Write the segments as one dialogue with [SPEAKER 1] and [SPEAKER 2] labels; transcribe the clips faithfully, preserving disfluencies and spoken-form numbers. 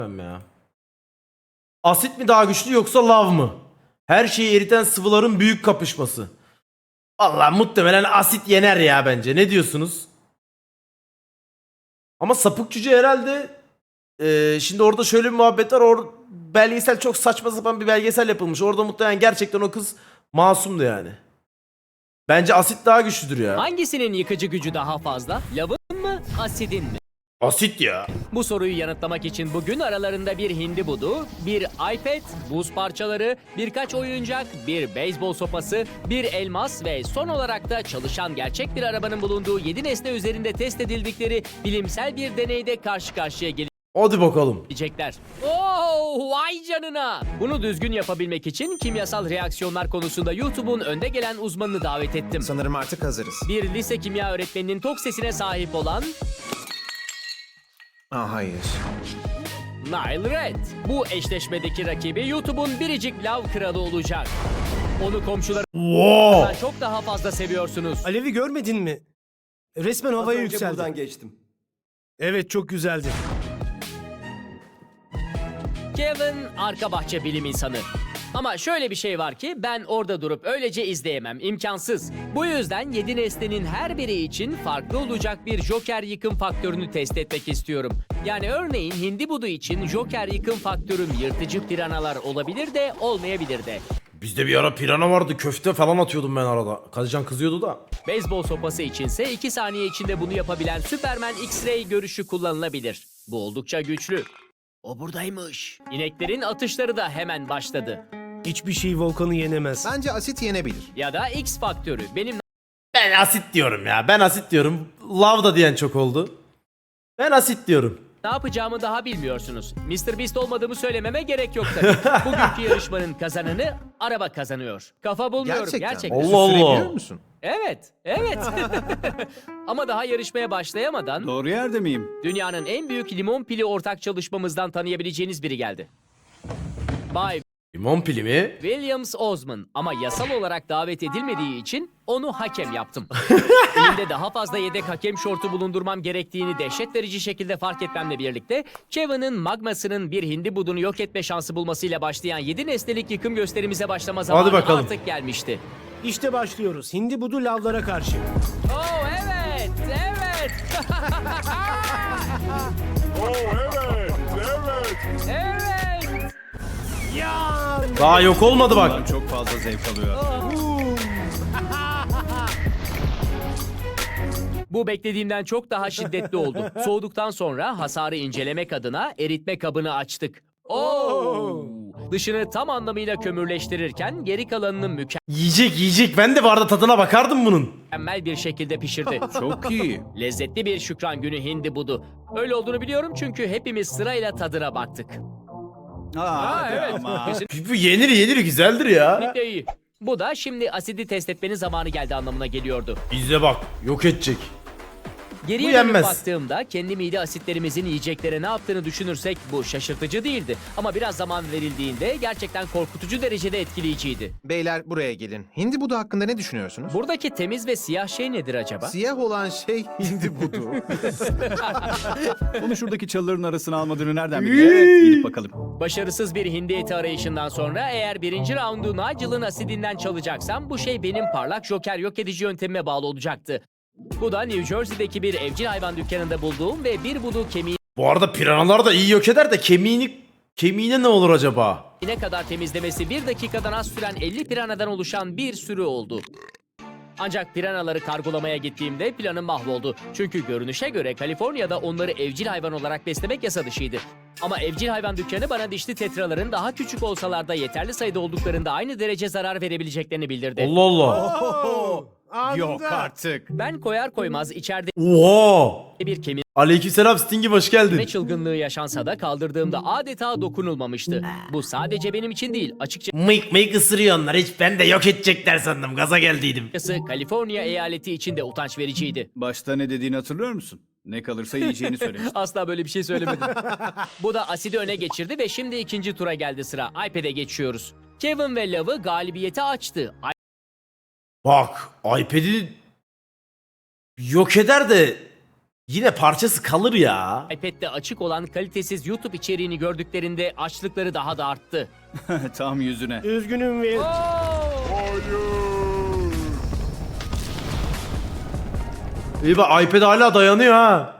[SPEAKER 1] ya. Asit mi daha güçlü yoksa lav mı? Her şeyi eriten sıvıların büyük kapışması. Vallahi muhtemelen asit yener ya bence. Ne diyorsunuz? Ama sapık cüce herhalde e, şimdi orada şöyle bir muhabbet var. Or belgesel çok saçma sapan bir belgesel yapılmış. Orada muhtemelen gerçekten o kız masumdu yani. Bence asit daha güçlüdür ya.
[SPEAKER 2] Hangisinin yıkıcı gücü daha fazla? Lavın mı, asidin mi?
[SPEAKER 1] Asit ya.
[SPEAKER 2] Bu soruyu yanıtlamak için bugün aralarında bir hindi budu, bir iPad, buz parçaları, birkaç oyuncak, bir beyzbol sopası, bir elmas ve son olarak da çalışan gerçek bir arabanın bulunduğu yedi nesne üzerinde test edildikleri bilimsel bir deneyde karşı karşıya
[SPEAKER 1] Hadi bakalım.
[SPEAKER 2] gelecekler. Oo, vay canına! Bunu düzgün yapabilmek için kimyasal reaksiyonlar konusunda YouTube'un önde gelen uzmanını davet ettim.
[SPEAKER 3] Sanırım artık hazırız.
[SPEAKER 2] Bir lise kimya öğretmeninin tok sesine sahip olan
[SPEAKER 3] Aa, hayır.
[SPEAKER 2] Nile Red. Bu eşleşmedeki rakibi YouTube'un biricik lav kralı olacak. Onu komşularından
[SPEAKER 1] Wow.
[SPEAKER 2] çok daha fazla seviyorsunuz.
[SPEAKER 4] Alevi görmedin mi? Resmen havaya
[SPEAKER 5] Az önce
[SPEAKER 4] yükseldi.
[SPEAKER 5] buradan geçtim.
[SPEAKER 4] Evet, çok güzeldi.
[SPEAKER 2] Kevin arka bahçe bilim insanı. Ama şöyle bir şey var ki ben orada durup öylece izleyemem. İmkansız. Bu yüzden yedi nesnenin her biri için farklı olacak bir Joker yıkım faktörünü test etmek istiyorum. Yani örneğin hindi budu için Joker yıkım faktörüm yırtıcı piranalar olabilir de olmayabilir de.
[SPEAKER 1] Bizde bir ara pirana vardı. Köfte falan atıyordum ben arada. Kadıcan kızıyordu da.
[SPEAKER 2] Beyzbol sopası içinse iki saniye içinde bunu yapabilen Superman X-Ray görüşü kullanılabilir. Bu oldukça güçlü. O buradaymış. İneklerin atışları da hemen başladı.
[SPEAKER 4] Hiçbir şey Volkan'ı yenemez.
[SPEAKER 3] Bence asit yenebilir.
[SPEAKER 2] Ya da X faktörü. Benim
[SPEAKER 1] Ben asit diyorum ya. Ben asit diyorum. Lav da diyen çok oldu. Ben asit diyorum.
[SPEAKER 2] ne yapacağımı daha bilmiyorsunuz. mister Beast olmadığımı söylememe gerek yok tabii. Bugünkü yarışmanın kazananı araba kazanıyor. Kafa bulmuyorum
[SPEAKER 3] Gerçekten.
[SPEAKER 2] gerçekten.
[SPEAKER 1] Allah Allah.
[SPEAKER 3] Sürebiliyor musun?
[SPEAKER 2] Evet, evet. Ama daha yarışmaya başlayamadan
[SPEAKER 6] Doğru yerde miyim?
[SPEAKER 2] dünyanın en büyük limon pili ortak çalışmamızdan tanıyabileceğiniz biri geldi. Bay
[SPEAKER 1] Limon pili mi?
[SPEAKER 2] Williams Osman ama yasal olarak davet edilmediği için onu hakem yaptım. Elimde daha fazla yedek hakem şortu bulundurmam gerektiğini dehşet verici şekilde fark etmemle birlikte Kevin'in magmasının bir hindi budunu yok etme şansı bulmasıyla başlayan yedi nesnelik yıkım gösterimize başlama zamanı
[SPEAKER 1] bakalım.
[SPEAKER 2] artık gelmişti.
[SPEAKER 4] İşte başlıyoruz. Hindi budu lavlara karşı.
[SPEAKER 2] Oh evet, evet. Evet.
[SPEAKER 1] Daha yok olmadı bak.
[SPEAKER 6] Bundan çok fazla zevk alıyor.
[SPEAKER 2] Bu beklediğimden çok daha şiddetli oldu. Soğuduktan sonra hasarı incelemek adına eritme kabını açtık. Oo! Dışını tam anlamıyla kömürleştirirken geri kalanını
[SPEAKER 1] Yiyecek yiyecek. Ben de bu arada tadına bakardım bunun.
[SPEAKER 2] mükemmel bir şekilde pişirdi.
[SPEAKER 6] Çok iyi.
[SPEAKER 2] Lezzetli bir şükran günü hindi budu. Öyle olduğunu biliyorum çünkü hepimiz sırayla tadına baktık.
[SPEAKER 6] Aa,
[SPEAKER 2] evet.
[SPEAKER 6] ama.
[SPEAKER 1] Bu yenir yenir güzeldir ya.
[SPEAKER 2] Kesinlikle iyi. Bu da şimdi asidi test etmenin zamanı geldi anlamına geliyordu.
[SPEAKER 1] İzle bak. Yok edecek.
[SPEAKER 2] Geriye
[SPEAKER 1] Bu
[SPEAKER 2] dönüp
[SPEAKER 1] yenmez.
[SPEAKER 2] baktığımda kendi mide asitlerimizin yiyeceklere ne yaptığını düşünürsek bu şaşırtıcı değildi. Ama biraz zaman verildiğinde gerçekten korkutucu derecede etkileyiciydi.
[SPEAKER 3] Beyler buraya gelin. Hindi budu hakkında ne düşünüyorsunuz?
[SPEAKER 2] Buradaki temiz ve siyah şey nedir acaba?
[SPEAKER 3] Siyah olan şey hindi budu.
[SPEAKER 6] Onu şuradaki çalıların arasına almadığını nereden biliyor? Evet, gidip bakalım.
[SPEAKER 2] Başarısız bir hindi eti arayışından sonra eğer birinci raundu Nigel'ın asidinden çalacaksam bu şey benim parlak joker yok edici yöntemime bağlı olacaktı. Bu da New Jersey'deki bir evcil hayvan dükkanında bulduğum ve bir budu kemiğine
[SPEAKER 1] Bu arada piranalar da iyi yok eder de kemiğini kemiğine ne olur acaba?
[SPEAKER 2] kadar temizlemesi bir dakikadan az süren elli piranadan oluşan bir sürü oldu. Ancak piranaları kargolamaya gittiğimde planım mahvoldu. Çünkü görünüşe göre Kaliforniya'da onları evcil hayvan olarak beslemek yasa dışıydı. Ama evcil hayvan dükkanı bana dişli tetraların daha küçük olsalar da yeterli sayıda olduklarında aynı derece zarar verebileceklerini bildirdi.
[SPEAKER 1] Allah Allah.
[SPEAKER 4] Oo, anında.
[SPEAKER 6] Yok artık.
[SPEAKER 2] Ben koyar koymaz içeride
[SPEAKER 1] Oha.
[SPEAKER 2] bir kemik
[SPEAKER 1] Aleykümselam Stingy hoş geldin.
[SPEAKER 2] ne çılgınlığı yaşansa da kaldırdığımda adeta dokunulmamıştı. Bu sadece benim için değil,
[SPEAKER 1] Mıyk mıyk ısırıyor onlar. Hiç ben de yok edecekler sandım. Gaza geldiydim.
[SPEAKER 2] açıkçası Kaliforniya eyaleti için de utanç vericiydi.
[SPEAKER 6] Başta ne dediğini hatırlıyor musun? Ne kalırsa yiyeceğini söylemiştin.
[SPEAKER 2] Asla böyle bir şey söylemedim. Bu da asidi öne geçirdi ve şimdi ikinci tura geldi sıra. iPad'e geçiyoruz. Kevin ve Love'ı galibiyete açtı.
[SPEAKER 1] Bak iPad'i yok eder de Yine parçası kalır ya.
[SPEAKER 2] iPad'de açık olan kalitesiz YouTube içeriğini gördüklerinde açlıkları daha da arttı.
[SPEAKER 6] Tam yüzüne.
[SPEAKER 4] Üzgünüm Will.
[SPEAKER 1] İyi bak iPad hala dayanıyor ha.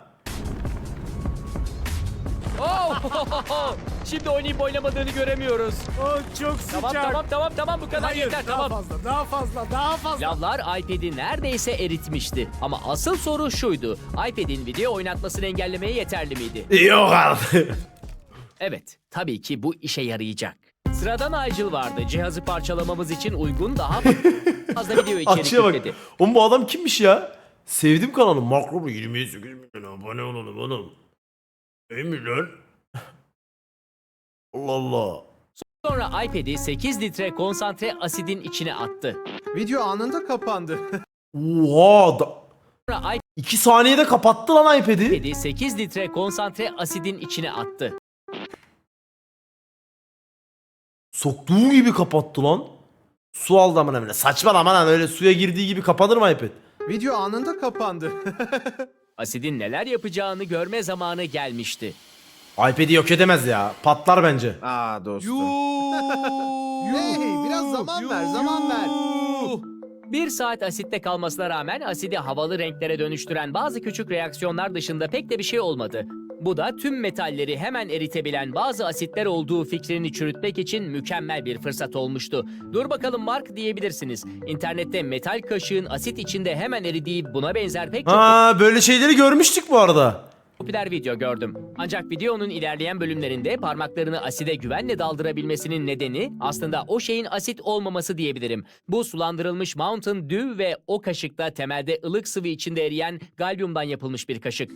[SPEAKER 2] Oh! Şimdi oynayıp oynamadığını göremiyoruz.
[SPEAKER 4] Oh, çok sıcak.
[SPEAKER 2] Tamam tamam tamam tamam bu kadar
[SPEAKER 4] Hayır,
[SPEAKER 2] yeter
[SPEAKER 4] daha
[SPEAKER 2] tamam.
[SPEAKER 4] fazla, daha fazla, daha fazla.
[SPEAKER 2] Lavlar iPad'i neredeyse eritmişti. Ama asıl soru şuydu. iPad'in video oynatmasını engellemeye yeterli miydi?
[SPEAKER 1] Yok artık.
[SPEAKER 2] Evet, tabii ki bu işe yarayacak. Sıradan Nigel vardı. Cihazı parçalamamız için uygun daha fazla video içerik
[SPEAKER 1] Açıya bak.
[SPEAKER 2] yükledi.
[SPEAKER 1] Oğlum bu adam kimmiş ya? Sevdim kanalı. Makro bu yirmi sekiz milyon abone olalım oğlum. İyi mi lan? Allah Allah.
[SPEAKER 2] Sonra iPad'i sekiz litre konsantre asidin içine attı.
[SPEAKER 3] Video anında kapandı.
[SPEAKER 1] Oha. Da...
[SPEAKER 2] Sonra
[SPEAKER 1] iki saniyede kapattı lan iPad'i.
[SPEAKER 2] iPad'i sekiz litre konsantre asidin içine attı.
[SPEAKER 1] Soktuğu gibi kapattı lan. Su aldı aman emine. Saçma aman lan, öyle suya girdiği gibi kapanır mı iPad?
[SPEAKER 3] Video anında kapandı.
[SPEAKER 2] Asidin neler yapacağını görme zamanı gelmişti.
[SPEAKER 1] iPad'i yok edemez ya. Patlar bence.
[SPEAKER 3] Aa dostum. Hey, biraz zaman ver, zaman ver.
[SPEAKER 2] Bir saat asitte kalmasına rağmen asidi havalı renklere dönüştüren bazı küçük reaksiyonlar dışında pek de bir şey olmadı. Bu da tüm metalleri hemen eritebilen bazı asitler olduğu fikrini çürütmek için mükemmel bir fırsat olmuştu. Dur bakalım Mark diyebilirsiniz. İnternette metal kaşığın asit içinde hemen eridiği buna benzer pek çok
[SPEAKER 1] Ha, böyle şeyleri görmüştük bu arada.
[SPEAKER 2] popüler video gördüm. Ancak videonun ilerleyen bölümlerinde parmaklarını aside güvenle daldırabilmesinin nedeni aslında o şeyin asit olmaması diyebilirim. Bu sulandırılmış Mountain Dew ve o kaşıkta temelde ılık sıvı içinde eriyen galyumdan yapılmış bir kaşık.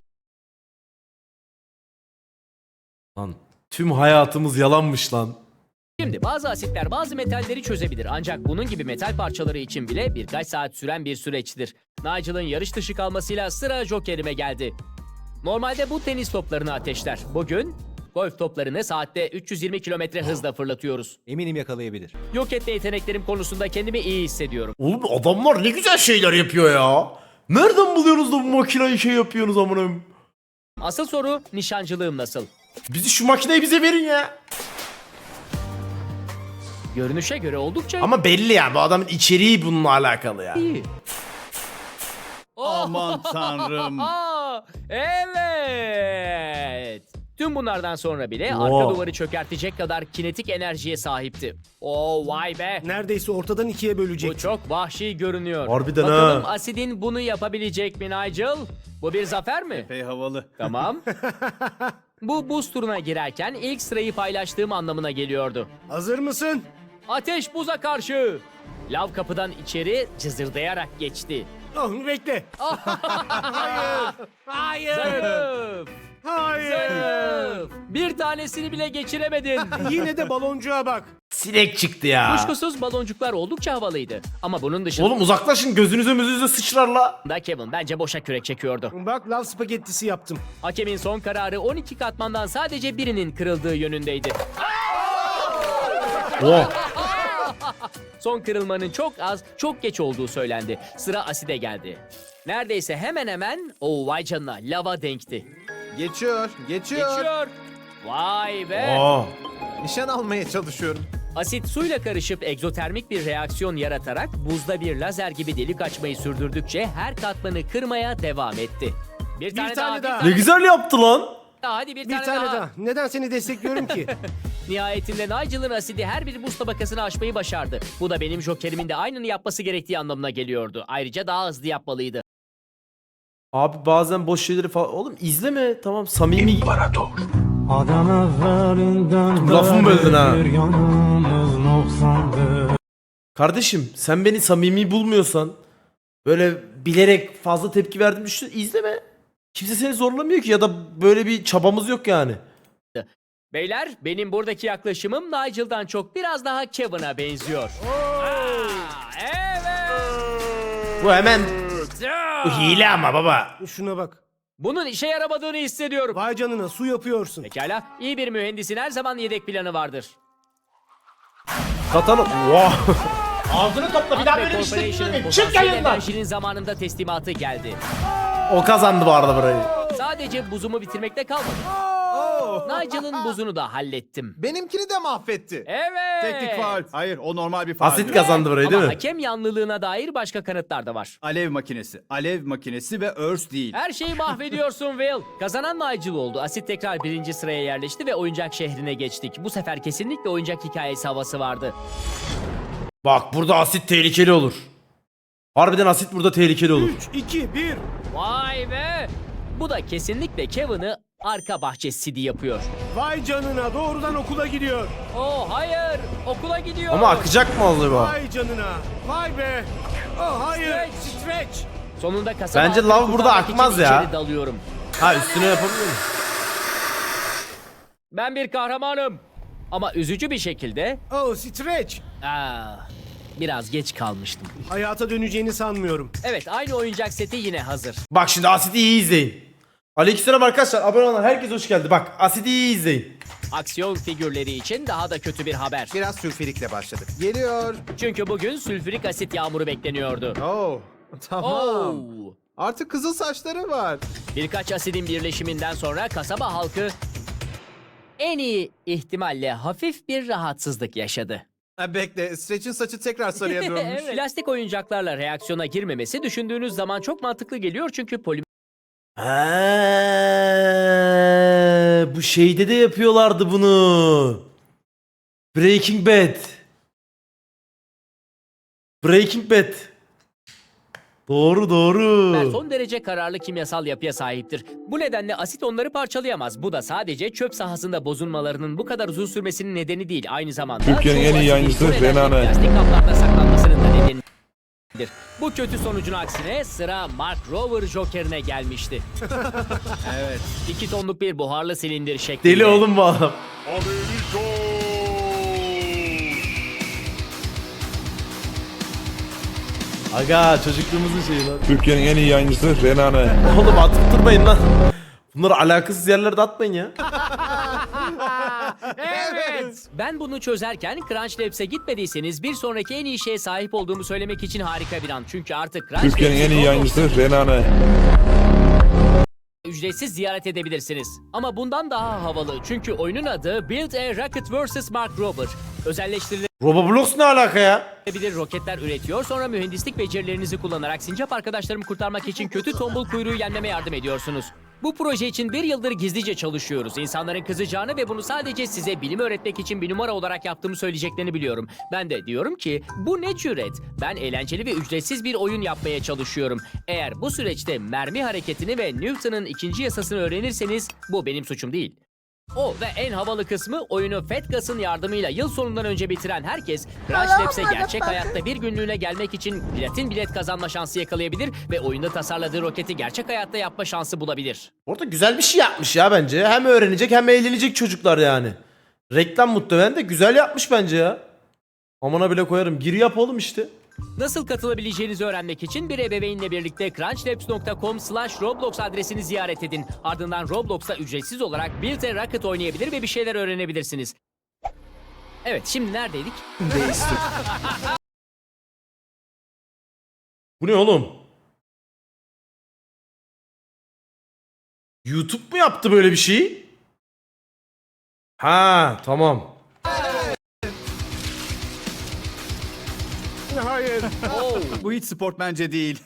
[SPEAKER 1] Lan tüm hayatımız yalanmış lan.
[SPEAKER 2] Şimdi bazı asitler bazı metalleri çözebilir ancak bunun gibi metal parçaları için bile birkaç saat süren bir süreçtir. Nigel'ın yarış dışı kalmasıyla sıra Joker'ime geldi. Normalde bu tenis toplarını ateşler. Bugün golf toplarını saatte üç yüz yirmi kilometre hızla fırlatıyoruz.
[SPEAKER 5] Eminim yakalayabilir.
[SPEAKER 2] Yok etme yeteneklerim konusunda kendimi iyi hissediyorum.
[SPEAKER 1] Oğlum adamlar ne güzel şeyler yapıyor ya. Nereden buluyorsunuz da bu makineyi şey yapıyorsunuz amına?
[SPEAKER 2] Asıl soru nişancılığım nasıl?
[SPEAKER 1] Bizi şu makineyi bize verin ya.
[SPEAKER 2] Görünüşe göre oldukça
[SPEAKER 1] Ama belli ya, bu adamın içeriği bununla alakalı ya.
[SPEAKER 2] iyi.
[SPEAKER 6] Aman tanrım.
[SPEAKER 2] Aa, evet. Tüm bunlardan sonra bile
[SPEAKER 1] Wow.
[SPEAKER 2] arka duvarı çökertecek kadar kinetik enerjiye sahipti. Oo vay be.
[SPEAKER 4] Neredeyse ortadan ikiye bölecek.
[SPEAKER 2] Bu çok vahşi görünüyor.
[SPEAKER 1] Harbiden
[SPEAKER 2] Bakalım
[SPEAKER 1] ha.
[SPEAKER 2] asidin bunu yapabilecek mi Nigel? Bu bir zafer mi?
[SPEAKER 6] Epey havalı.
[SPEAKER 2] Tamam. Bu buz turuna girerken ilk sırayı paylaştığım anlamına geliyordu.
[SPEAKER 4] Hazır mısın?
[SPEAKER 2] Ateş buza karşı. Lav kapıdan içeri cızırdayarak geçti.
[SPEAKER 4] Oh, bekle. Hayır. Hayır.
[SPEAKER 2] Zayıf.
[SPEAKER 4] Hayır.
[SPEAKER 2] Zayıf. Bir tanesini bile geçiremedin.
[SPEAKER 4] Yine de baloncuğa bak.
[SPEAKER 1] Sinek çıktı ya.
[SPEAKER 2] Kuşkusuz baloncuklar oldukça havalıydı. Ama bunun dışında
[SPEAKER 1] Oğlum uzaklaşın, gözünüze müzünüze sıçrar la.
[SPEAKER 2] Kevin bence boşa kürek çekiyordu.
[SPEAKER 4] Bak, lav spagettisi yaptım.
[SPEAKER 2] Hakemin son kararı on iki katmandan sadece birinin kırıldığı yönündeydi.
[SPEAKER 1] Oh.
[SPEAKER 2] Son kırılmanın çok az, çok geç olduğu söylendi. Sıra aside geldi. Neredeyse hemen hemen o vay canına lava denkti.
[SPEAKER 3] Geçiyor, geçiyor.
[SPEAKER 2] Geçiyor. Vay be.
[SPEAKER 1] Oh.
[SPEAKER 3] Nişan almaya çalışıyorum.
[SPEAKER 2] Asit suyla karışıp egzotermik bir reaksiyon yaratarak buzda bir lazer gibi delik açmayı sürdürdükçe her katmanı kırmaya devam etti. Bir tane,
[SPEAKER 4] tane daha.
[SPEAKER 2] bir
[SPEAKER 1] Ne güzel yaptı lan.
[SPEAKER 2] daha, hadi bir,
[SPEAKER 4] Bir
[SPEAKER 2] tane,
[SPEAKER 4] tane
[SPEAKER 2] daha.
[SPEAKER 4] daha. Neden seni destekliyorum ki?
[SPEAKER 2] Nihayetinde Nigel'ın asidi her bir buz tabakasını aşmayı başardı. Bu da benim Joker'imin de aynını yapması gerektiği anlamına geliyordu. Ayrıca daha hızlı yapmalıydı.
[SPEAKER 1] Abi bazen boş şeyleri falan. Oğlum izleme, tamam, samimi. İmparator.
[SPEAKER 7] Adam evvelinden
[SPEAKER 1] Lafımı böldün ha.
[SPEAKER 7] beri bir yanımız noksandı.
[SPEAKER 1] Kardeşim sen beni samimi bulmuyorsan, böyle bilerek fazla tepki verdim düşün, izleme. Kimse seni zorlamıyor ki, ya da böyle bir çabamız yok yani.
[SPEAKER 2] Beyler, benim buradaki yaklaşımım Nigel'dan çok biraz daha Kevin'a benziyor. Aa, evet.
[SPEAKER 1] Bu hemen bu hile ama baba.
[SPEAKER 4] Şuna bak.
[SPEAKER 2] Bunun işe yaramadığını hissediyorum.
[SPEAKER 4] Vay canına, su yapıyorsun.
[SPEAKER 2] Pekala, iyi bir mühendisin her zaman yedek planı vardır.
[SPEAKER 1] Katanı. Wow. Ağzını topla, bir daha
[SPEAKER 2] Ve
[SPEAKER 1] böyle bir şey
[SPEAKER 2] Corporation'ın
[SPEAKER 1] yapma. Çık
[SPEAKER 2] potansiyel
[SPEAKER 1] yayından.
[SPEAKER 2] enerjinin zamanında teslimatı geldi.
[SPEAKER 1] O kazandı bu arada burayı.
[SPEAKER 2] Sadece buzumu bitirmekte kalmadı. Nigel'ın buzunu da hallettim.
[SPEAKER 3] Benimkini de mahvetti.
[SPEAKER 2] Evet.
[SPEAKER 6] Teknik faul. Hayır, o normal bir faul.
[SPEAKER 1] Asit kazandı burayı değil
[SPEAKER 2] Ama
[SPEAKER 1] mi?
[SPEAKER 2] hakem yanlılığına dair başka kanıtlar da var.
[SPEAKER 6] Alev makinesi. Alev makinesi ve örs değil.
[SPEAKER 2] Her şeyi mahvediyorsun Will. Kazanan Nigel oldu. Asit tekrar birinci sıraya yerleşti ve oyuncak şehrine geçtik. Bu sefer kesinlikle oyuncak hikayesi havası vardı.
[SPEAKER 1] Bak burada asit tehlikeli olur. Harbiden asit burada tehlikeli olur.
[SPEAKER 4] üç, iki, bir.
[SPEAKER 2] Vay be! Bu da kesinlikle Kevin'ı arka bahçe Sidi yapıyor.
[SPEAKER 4] Vay canına doğrudan okula gidiyor.
[SPEAKER 2] Oh hayır! Okula gidiyor.
[SPEAKER 1] Ama akacak mı oldu bu?
[SPEAKER 4] Vay canına. Vay be. Oh hayır. Stretch.
[SPEAKER 2] Sonunda kasaba
[SPEAKER 1] Bence
[SPEAKER 2] halkını
[SPEAKER 1] lav burada
[SPEAKER 2] kurtarmak için
[SPEAKER 1] akmaz ya.
[SPEAKER 2] içeri dalıyorum.
[SPEAKER 1] Ha üstüne yapabiliyor muyum?
[SPEAKER 2] Ben bir kahramanım. Ama üzücü bir şekilde
[SPEAKER 4] Oh stretch.
[SPEAKER 2] aa, biraz geç kalmıştım.
[SPEAKER 4] Hayata döneceğini sanmıyorum.
[SPEAKER 2] Evet, aynı oyuncak seti yine hazır.
[SPEAKER 1] Bak şimdi asiti iyi izleyin. Aleykümselam arkadaşlar, abone olan herkes hoş geldi. Bak asiti iyi izleyin.
[SPEAKER 2] Aksiyon figürleri için daha da kötü bir haber.
[SPEAKER 3] Biraz sülfürikle başladık. Geliyor.
[SPEAKER 2] Çünkü bugün sülfürik asit yağmuru bekleniyordu.
[SPEAKER 3] Oh. Tamam.
[SPEAKER 2] Oo.
[SPEAKER 3] Artık kızıl saçları var.
[SPEAKER 2] Birkaç asidin birleşiminden sonra kasaba halkı en iyi ihtimalle hafif bir rahatsızlık yaşadı.
[SPEAKER 3] Ha, bekle. Stretch'in saçı tekrar sarıya dönmüş.
[SPEAKER 2] Evet. Plastik oyuncaklarla reaksiyona girmemesi düşündüğünüz zaman çok mantıklı geliyor çünkü polimer
[SPEAKER 1] Ha, bu şeyde de yapıyorlardı bunu. Breaking Bad. Breaking Bad. Doğru doğru.
[SPEAKER 2] son derece kararlı kimyasal yapıya sahiptir. Bu nedenle asit onları parçalayamaz. Bu da sadece çöp sahasında bozulmalarının bu kadar uzun sürmesinin nedeni değil. Aynı zamanda
[SPEAKER 5] Türkiye'nin
[SPEAKER 2] çoğu
[SPEAKER 5] en iyi
[SPEAKER 2] asidin
[SPEAKER 5] yayıncısı
[SPEAKER 2] bu nedenle
[SPEAKER 5] Renane.
[SPEAKER 2] plastik kaplarda saklanmasının da nedenidir. Bu kötü sonucun aksine sıra Mark Rover Joker'ine gelmişti.
[SPEAKER 6] Evet.
[SPEAKER 2] iki tonluk bir buharlı silindir şeklinde.
[SPEAKER 1] Deli oğlum bu adam. Aga çocukluğumuzun şeyi lan.
[SPEAKER 5] Türkiye'nin en iyi yayıncısı Renane.
[SPEAKER 1] Oğlum atıp durmayın lan. Bunları alakasız yerlerde atmayın ya.
[SPEAKER 2] Evet. Ben bunu çözerken Crunch Labs'e gitmediyseniz bir sonraki en iyi şeye sahip olduğumu söylemek için harika bir an. Çünkü artık Crunch
[SPEAKER 5] Türkiye'nin en iyi
[SPEAKER 2] Labs'i
[SPEAKER 5] yayıncısı Renane.
[SPEAKER 2] ücretsiz ziyaret edebilirsiniz. Ama bundan daha havalı çünkü oyunun adı Build a Rocket versus. Mark Rober. Özelleştirilebilir
[SPEAKER 1] Roboblox ne alaka ya?
[SPEAKER 2] roketler üretiyor, sonra mühendislik becerilerinizi kullanarak sincap arkadaşlarımı kurtarmak için kötü tombul kuyruğu yenmeme yardım ediyorsunuz. Bu proje için bir yıldır gizlice çalışıyoruz. İnsanların kızacağını ve bunu sadece size bilim öğretmek için bir numara olarak yaptığımı söyleyeceklerini biliyorum. Ben de diyorum ki bu ne cüret? Ben eğlenceli ve ücretsiz bir oyun yapmaya çalışıyorum. Eğer bu süreçte mermi hareketini ve Newton'un ikinci yasasını öğrenirseniz bu benim suçum değil. O ve en havalı kısmı oyunu Fetgas'ın yardımıyla yıl sonundan önce bitiren herkes Crunch Labs'e gerçek hayatta bir günlüğüne gelmek için platin bilet kazanma şansı yakalayabilir ve oyunda tasarladığı roketi gerçek hayatta yapma şansı bulabilir.
[SPEAKER 1] Orada güzel bir şey yapmış ya bence. Hem öğrenecek hem eğlenecek çocuklar yani. Reklam muhtemelen de güzel yapmış bence ya. Amına bile koyarım. Gir yap oğlum işte.
[SPEAKER 2] Nasıl katılabileceğinizi öğrenmek için bir ebeveynle birlikte crunchlabs nokta com slash roblox adresini ziyaret edin. Ardından Roblox'ta ücretsiz olarak Build a Rocket oynayabilir ve bir şeyler öğrenebilirsiniz. Evet, şimdi neredeydik?
[SPEAKER 1] Bu ne oğlum? YouTube mu yaptı böyle bir şeyi? Ha tamam.
[SPEAKER 4] Hayır.
[SPEAKER 2] Oo.
[SPEAKER 6] Bu hiç sportmence değil.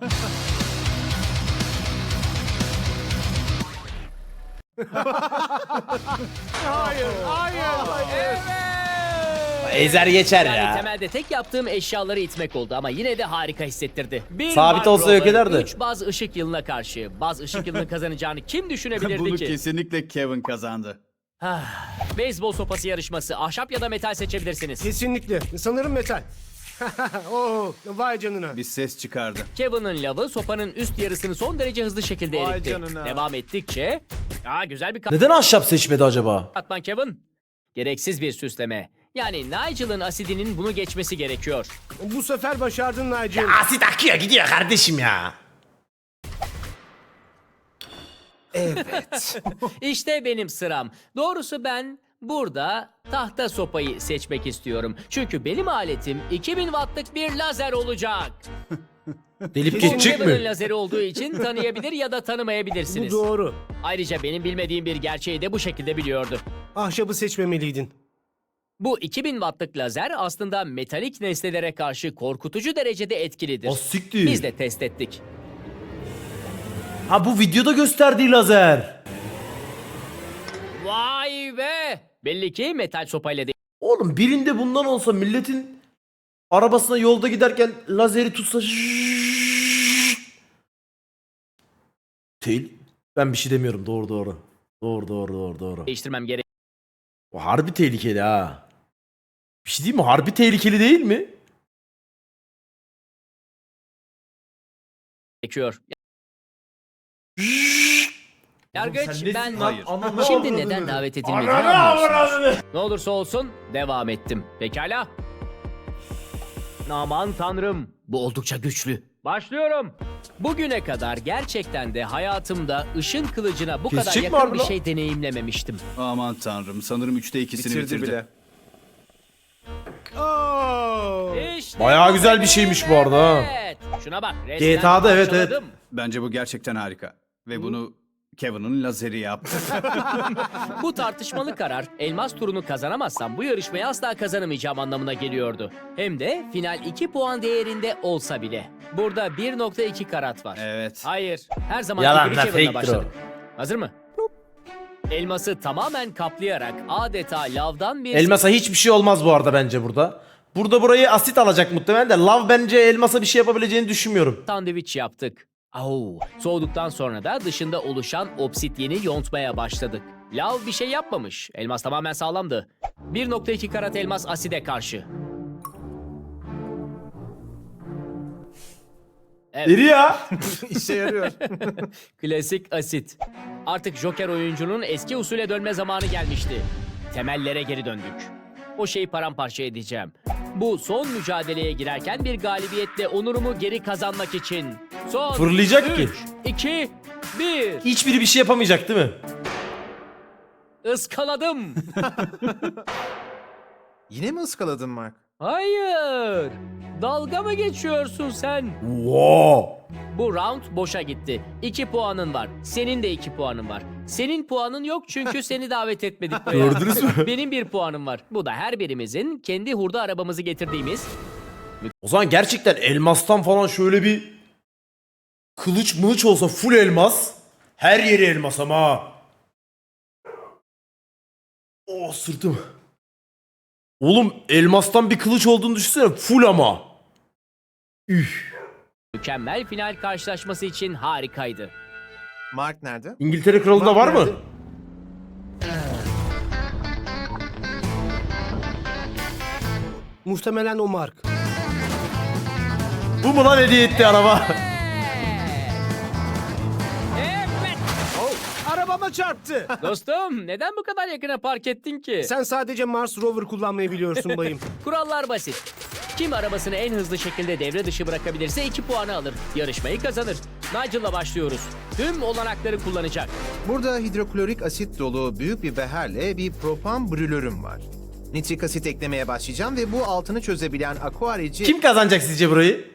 [SPEAKER 4] Hayır. Hayır.
[SPEAKER 1] Ezer geçer
[SPEAKER 2] Yani
[SPEAKER 1] ya.
[SPEAKER 2] temelde tek yaptığım eşyaları itmek oldu ama yine de harika hissettirdi. Bir
[SPEAKER 1] Sabit
[SPEAKER 2] Mark
[SPEAKER 1] olsa
[SPEAKER 2] Rover,
[SPEAKER 1] yok ederdi.
[SPEAKER 2] üç baz ışık yılına karşı. Baz ışık yılını kazanacağını kim düşünebilirdi
[SPEAKER 6] Bunu
[SPEAKER 2] ki?
[SPEAKER 6] kesinlikle Kevin kazandı.
[SPEAKER 2] Ah, beyzbol sopası yarışması. Ahşap ya da metal seçebilirsiniz.
[SPEAKER 4] Kesinlikle. Sanırım metal. Oh, vay canına.
[SPEAKER 6] Bir ses çıkardı.
[SPEAKER 2] Kevin'ın lavı sopanın üst yarısını son derece hızlı şekilde
[SPEAKER 3] Vay
[SPEAKER 2] eritti.
[SPEAKER 3] canına.
[SPEAKER 2] Devam ettikçe... Aa, güzel bir
[SPEAKER 1] Neden ahşap seçmedi acaba?
[SPEAKER 2] katman Kevin. Gereksiz bir süsleme. Yani Nigel'ın asidinin bunu geçmesi gerekiyor.
[SPEAKER 4] Bu sefer başardın Nigel.
[SPEAKER 1] Asit akıyor gidiyor kardeşim ya.
[SPEAKER 2] İşte benim sıram. Doğrusu ben Burada tahta sopayı seçmek istiyorum. Çünkü benim aletim iki bin wattlık bir lazer olacak.
[SPEAKER 1] Delip
[SPEAKER 2] Bu
[SPEAKER 1] geçecek
[SPEAKER 2] Kevin'in
[SPEAKER 1] mi?
[SPEAKER 2] lazeri olduğu için tanıyabilir ya da
[SPEAKER 4] Bu
[SPEAKER 2] tanımayabilirsiniz.
[SPEAKER 4] doğru.
[SPEAKER 2] Ayrıca benim bilmediğim bir gerçeği de bu şekilde biliyordu.
[SPEAKER 4] Ahşabı seçmemeliydin.
[SPEAKER 2] Bu iki bin wattlık lazer aslında metalik nesnelere karşı korkutucu derecede etkilidir.
[SPEAKER 1] O siktir.
[SPEAKER 2] Biz de test ettik.
[SPEAKER 1] Ha bu videoda gösterdiği lazer.
[SPEAKER 2] Vay be! Belli ki metal sopayla değil.
[SPEAKER 1] Oğlum birinde bundan olsa milletin arabasına yolda giderken lazeri tutsa Değil. Ben bir şey demiyorum. Doğru doğru. Doğru doğru doğru doğru.
[SPEAKER 2] değiştirmem gerek.
[SPEAKER 1] O harbi tehlikeli ha. Bir şey diyeyim mi? Harbi tehlikeli değil mi?
[SPEAKER 2] gerekiyor. Yargıç
[SPEAKER 1] Oğlum sen nesin
[SPEAKER 2] ben
[SPEAKER 1] lan?
[SPEAKER 6] Hayır.
[SPEAKER 1] Ananı
[SPEAKER 2] şimdi
[SPEAKER 1] avradını.
[SPEAKER 2] neden davet edilmediğini
[SPEAKER 1] Ananı
[SPEAKER 2] anlıyorsunuz.
[SPEAKER 1] avradını.
[SPEAKER 2] Ne olursa olsun devam ettim. Pekala. Aman tanrım. Bu oldukça güçlü. Başlıyorum. Bugüne kadar gerçekten de hayatımda ışın kılıcına bu kadar
[SPEAKER 1] Kesecek mi
[SPEAKER 2] yakın
[SPEAKER 1] harbi
[SPEAKER 2] bir
[SPEAKER 1] lan?
[SPEAKER 2] şey deneyimlememiştim.
[SPEAKER 6] Aman tanrım, sanırım üçte ikisini
[SPEAKER 3] Bitirdi
[SPEAKER 6] bitirdi.
[SPEAKER 3] bile.
[SPEAKER 4] Oo.
[SPEAKER 2] İşte
[SPEAKER 1] Bayağı
[SPEAKER 2] bu
[SPEAKER 1] güzel bir şeymiş bu arada ha.
[SPEAKER 2] evet. Şuna bak. resmen
[SPEAKER 1] G T A'da evet, evet.
[SPEAKER 2] parçaladım.
[SPEAKER 6] Bence bu gerçekten harika. Ve bunu Kevin'in lazeri yaptı.
[SPEAKER 2] Bu tartışmalı karar elmas turunu kazanamazsam bu yarışmayı asla kazanamayacağım anlamına geliyordu. Hem de final iki puan değerinde olsa bile. Burada bir nokta iki karat var.
[SPEAKER 6] Evet.
[SPEAKER 2] Hayır. Her zaman
[SPEAKER 1] Yalan
[SPEAKER 2] gibi
[SPEAKER 1] lan,
[SPEAKER 2] Kevin'la
[SPEAKER 1] fake'tir
[SPEAKER 2] başladık. Hazır mı? Elması tamamen kaplayarak adeta lavdan bir
[SPEAKER 1] Elmasa hiçbir şey olmaz bu arada bence burada. Burada burayı asit alacak muhtemelen de lav bence elmasa bir şey yapabileceğini düşünmüyorum.
[SPEAKER 2] sandviç yaptık. Au. Soğuduktan sonra da dışında oluşan obsidyeni yontmaya başladık. Lav bir şey yapmamış. Elmas tamamen sağlamdı. bir nokta iki karat elmas aside karşı.
[SPEAKER 1] Deri ya.
[SPEAKER 3] İşe yarıyor.
[SPEAKER 2] Klasik asit. Artık Joker oyuncunun eski usule dönme zamanı gelmişti. Temellere geri döndük. O şeyi paramparça edeceğim. Bu son mücadeleye girerken bir galibiyetle onurumu geri kazanmak için. Son
[SPEAKER 1] Fırlayacak ki.
[SPEAKER 2] üç, iki, bir.
[SPEAKER 1] Hiçbiri bir şey yapamayacak değil mi?
[SPEAKER 2] Iskaladım.
[SPEAKER 3] Yine mi ıskaladın Mark?
[SPEAKER 2] Hayır. Dalga mı geçiyorsun sen?
[SPEAKER 1] Wow.
[SPEAKER 2] Bu round boşa gitti. İki puanın var. Senin de iki puanın var. Senin puanın yok çünkü seni davet etmedik buraya.
[SPEAKER 1] Gördünüz mü?
[SPEAKER 2] Benim bir puanım var. Bu da her birimizin kendi hurda arabamızı getirdiğimiz
[SPEAKER 1] O zaman gerçekten elmastan falan şöyle bir kılıç mılıç olsa full elmas. Her yeri elmas ama ha. Oh sırtım. Oğlum elmastan bir kılıç olduğunu düşünsene full ama. Üh.
[SPEAKER 2] mükemmel final karşılaşması için harikaydı.
[SPEAKER 3] Mark nerede?
[SPEAKER 1] İngiltere kralında var mı?
[SPEAKER 4] Muhtemelen o Mark.
[SPEAKER 1] Bu mu lan hediye etti araba?
[SPEAKER 2] Evet.
[SPEAKER 4] Arabama çarptı.
[SPEAKER 2] Dostum neden bu kadar yakına park ettin ki?
[SPEAKER 4] Sen sadece Mars Rover kullanmayı biliyorsun bayım.
[SPEAKER 2] Kurallar basit. Kim arabasını en hızlı şekilde devre dışı bırakabilirse iki puanı alır. Yarışmayı kazanır. Nigel'la başlıyoruz. Tüm olanakları kullanacak.
[SPEAKER 3] Burada hidroklorik asit dolu büyük bir beherle bir propan brülörüm var. Nitrik asit eklemeye başlayacağım ve bu altını çözebilen aquarici...
[SPEAKER 1] Kim kazanacak sizce burayı?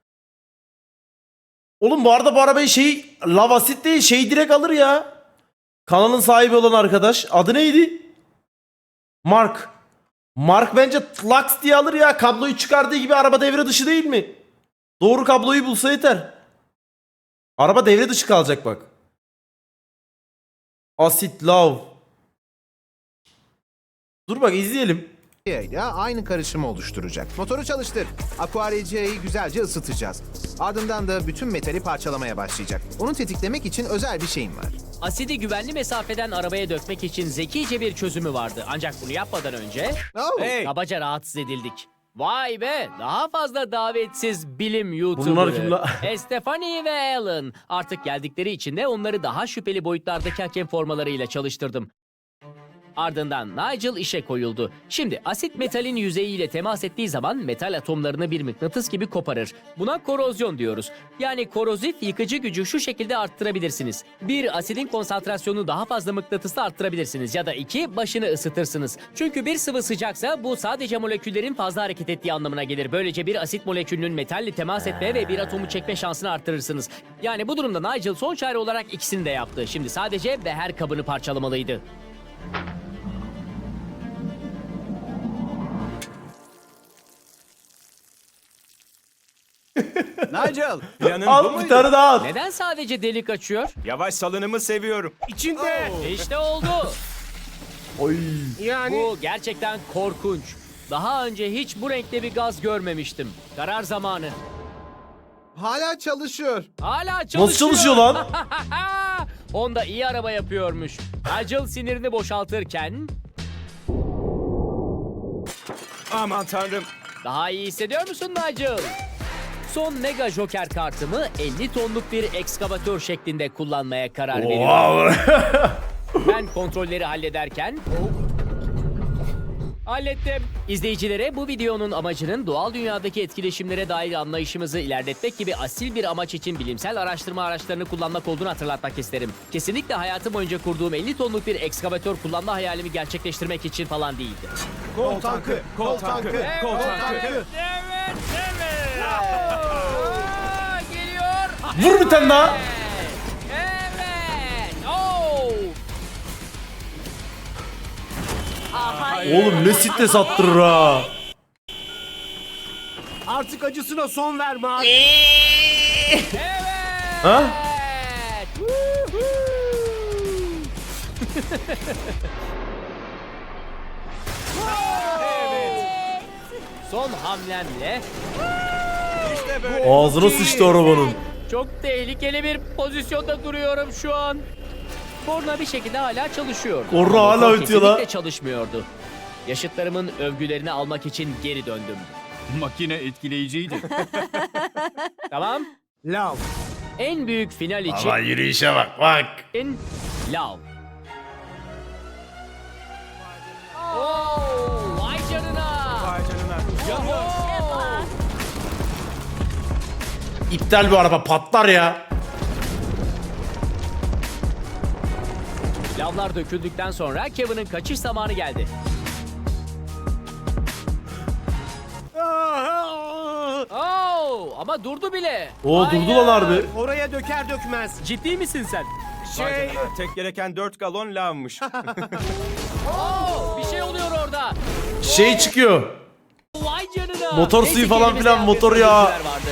[SPEAKER 1] Oğlum bu arada bu arabayı şey lavasit değil şey direkt alır ya. Kanalın sahibi olan arkadaş. Adı neydi? Mark. Mark bence Lux diye alır ya. Kabloyu çıkardığı gibi araba devre dışı değil mi? Doğru kabloyu bulsa yeter. Araba devre dışı kalacak bak. Asit love. Dur bak izleyelim.
[SPEAKER 3] ile aynı karışımı oluşturacak. Motoru çalıştır. Aquaricia'yı güzelce ısıtacağız. Ardından da bütün metali parçalamaya başlayacak. Onu tetiklemek için özel bir şeyim var.
[SPEAKER 2] Asidi güvenli mesafeden arabaya dökmek için zekice bir çözümü vardı. Ancak bunu yapmadan önce
[SPEAKER 3] Oh.
[SPEAKER 6] Hey!
[SPEAKER 2] kabaca rahatsız edildik. Vay be! Daha fazla davetsiz bilim YouTuber'ı.
[SPEAKER 1] Bunlar kim la?
[SPEAKER 2] Estefani ve Alan. Artık geldikleri için de onları daha şüpheli boyutlardaki hakem formalarıyla çalıştırdım. Ardından Nigel işe koyuldu. Şimdi asit metalin yüzeyiyle temas ettiği zaman metal atomlarını bir mıknatıs gibi koparır. Buna korozyon diyoruz. Yani korozif yıkıcı gücü şu şekilde arttırabilirsiniz. Bir, asidin konsantrasyonunu daha fazla mıknatısla arttırabilirsiniz. Ya da iki, başını ısıtırsınız. Çünkü bir sıvı sıcaksa bu sadece moleküllerin fazla hareket ettiği anlamına gelir. Böylece bir asit molekülünün metalle temas etme ve bir atomu çekme şansını arttırırsınız. Yani bu durumda Nigel son çare olarak ikisini de yaptı. Şimdi sadece beher kabını parçalamalıydı.
[SPEAKER 8] Nigel, planın bu
[SPEAKER 1] Al bir
[SPEAKER 8] muydu?
[SPEAKER 1] tane daha at.
[SPEAKER 2] Neden sadece delik açıyor?
[SPEAKER 8] Yavaş salınımı seviyorum.
[SPEAKER 4] İçinde.
[SPEAKER 2] İşte oldu.
[SPEAKER 1] Oy.
[SPEAKER 4] Yani
[SPEAKER 2] Bu gerçekten korkunç. Daha önce hiç bu renkte bir gaz görmemiştim. Karar zamanı.
[SPEAKER 3] Hala çalışıyor.
[SPEAKER 2] Hala çalışıyor.
[SPEAKER 1] Nasıl çalışıyor lan?
[SPEAKER 2] Honda iyi araba yapıyormuş. Nigel sinirini boşaltırken
[SPEAKER 8] Aman tanrım.
[SPEAKER 2] daha iyi hissediyor musun Nigel? Son Mega Joker kartımı elli tonluk bir ekskavatör şeklinde kullanmaya karar veriyorum.
[SPEAKER 1] Wow.
[SPEAKER 2] Ben kontrolleri hallederken... Hallettim. İzleyicilere bu videonun amacının doğal dünyadaki etkileşimlere dair anlayışımızı ilerletmek gibi asil bir amaç için bilimsel araştırma araçlarını kullanmak olduğunu hatırlatmak isterim. Kesinlikle hayatım boyunca kurduğum elli tonluk bir ekskavatör kullanma hayalimi gerçekleştirmek için falan değildi.
[SPEAKER 4] kol tankı.
[SPEAKER 8] Kol tankı, kol tankı.
[SPEAKER 2] Evet, evet. Aa, geliyor.
[SPEAKER 1] Vur bir tane daha.
[SPEAKER 2] Evet. Oo.
[SPEAKER 1] Oğlum ne stres attırır ha.
[SPEAKER 4] Artık acısına son verme abi.
[SPEAKER 2] Evet.
[SPEAKER 1] Ha?
[SPEAKER 2] Woohoo. Son hamlemle
[SPEAKER 8] İşte böyle.
[SPEAKER 1] Ağzına sıçtı arabanın.
[SPEAKER 2] çok tehlikeli bir pozisyonda duruyorum şu an. Korna bir şekilde hala çalışıyor.
[SPEAKER 1] Korna
[SPEAKER 2] Ama
[SPEAKER 1] hala
[SPEAKER 2] motor
[SPEAKER 1] ötüyor lan.
[SPEAKER 2] kesinlikle çalışmıyordu. Yaşıtlarımın övgülerini almak için geri döndüm.
[SPEAKER 6] Makine etkileyiciydi.
[SPEAKER 2] Tamam.
[SPEAKER 4] Lav.
[SPEAKER 2] En büyük final için
[SPEAKER 1] Ama yürüyüşe bak bak.
[SPEAKER 2] Lav. Oo, vay canına.
[SPEAKER 8] Vay canına.
[SPEAKER 1] İptal bu araba patlar ya.
[SPEAKER 2] Lavlar döküldükten sonra Kevin'in kaçış zamanı geldi. Oo, ama durdu bile.
[SPEAKER 1] Oo
[SPEAKER 2] Hayır.
[SPEAKER 1] durdu lan harbi.
[SPEAKER 4] Oraya döker dökmez.
[SPEAKER 2] Ciddi misin sen?
[SPEAKER 8] Vay
[SPEAKER 4] Şey.
[SPEAKER 8] canına. Tek gereken dört galon lavmış.
[SPEAKER 2] Oo, bir şey oluyor orada.
[SPEAKER 1] Şey çıkıyor.
[SPEAKER 2] Vay canına.
[SPEAKER 1] Motor
[SPEAKER 2] Neyse
[SPEAKER 1] suyu
[SPEAKER 2] ki
[SPEAKER 1] falan
[SPEAKER 2] elimizde
[SPEAKER 1] filan,
[SPEAKER 2] yan
[SPEAKER 1] motor
[SPEAKER 2] bir
[SPEAKER 1] yağı.
[SPEAKER 2] sözcükler vardı.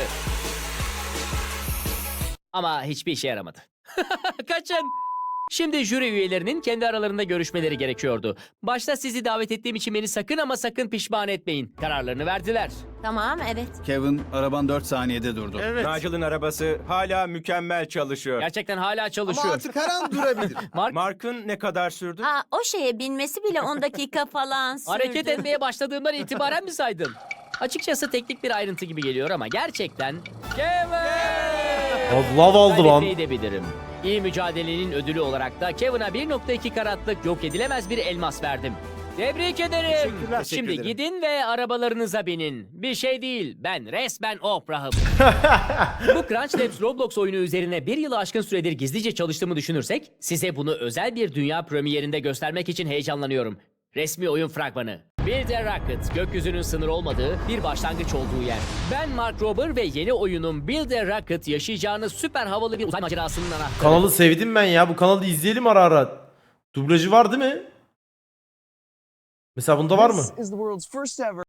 [SPEAKER 2] Ama hiçbir işe yaramadı. Kaçın. Şimdi jüri üyelerinin kendi aralarında görüşmeleri gerekiyordu. Başta sizi davet ettiğim için beni sakın ama sakın pişman etmeyin. Kararlarını verdiler.
[SPEAKER 9] Tamam, evet.
[SPEAKER 6] Kevin, araban dört saniyede durdu.
[SPEAKER 4] Evet.
[SPEAKER 8] Nigel'ın arabası hala mükemmel çalışıyor.
[SPEAKER 2] Gerçekten hala
[SPEAKER 3] Ama
[SPEAKER 2] çalışıyor.
[SPEAKER 3] artık her an durabilir.
[SPEAKER 2] Mark,
[SPEAKER 8] Mark'ın ne kadar sürdü?
[SPEAKER 9] Aa, o şeye binmesi bile on dakika falan sürdü.
[SPEAKER 2] hareket etmeye başladığımdan itibaren mi saydın? Açıkçası teknik bir ayrıntı gibi geliyor ama gerçekten... Kevin!
[SPEAKER 1] Lav aldı lan.
[SPEAKER 2] Kaybetmeyi de bilirim. İyi mücadelenin ödülü olarak da Kevin'a bir nokta iki karatlık yok edilemez bir elmas verdim. Tebrik ederim.
[SPEAKER 4] Teşekkürler.
[SPEAKER 2] Şimdi
[SPEAKER 8] Teşekkür ederim.
[SPEAKER 2] gidin ve arabalarınıza binin. Bir şey değil, ben resmen Oprah'ım. Bu Crunch Labs Roblox oyunu üzerine bir yılı aşkın süredir gizlice çalıştığımı düşünürsek, size bunu özel bir dünya premierinde göstermek için heyecanlanıyorum. Resmi oyun fragmanı. Build a Rocket, gökyüzünün sınır olmadığı bir başlangıç olduğu yer. Ben Mark Rober ve yeni oyunum Build a Rocket yaşayacağınız süper havalı bir uzay macerasının anahtarı.
[SPEAKER 1] Kanalı sevdim ben ya. Bu kanalı izleyelim ara ara. Dublajı var değil mi? Mesela bunda var mı?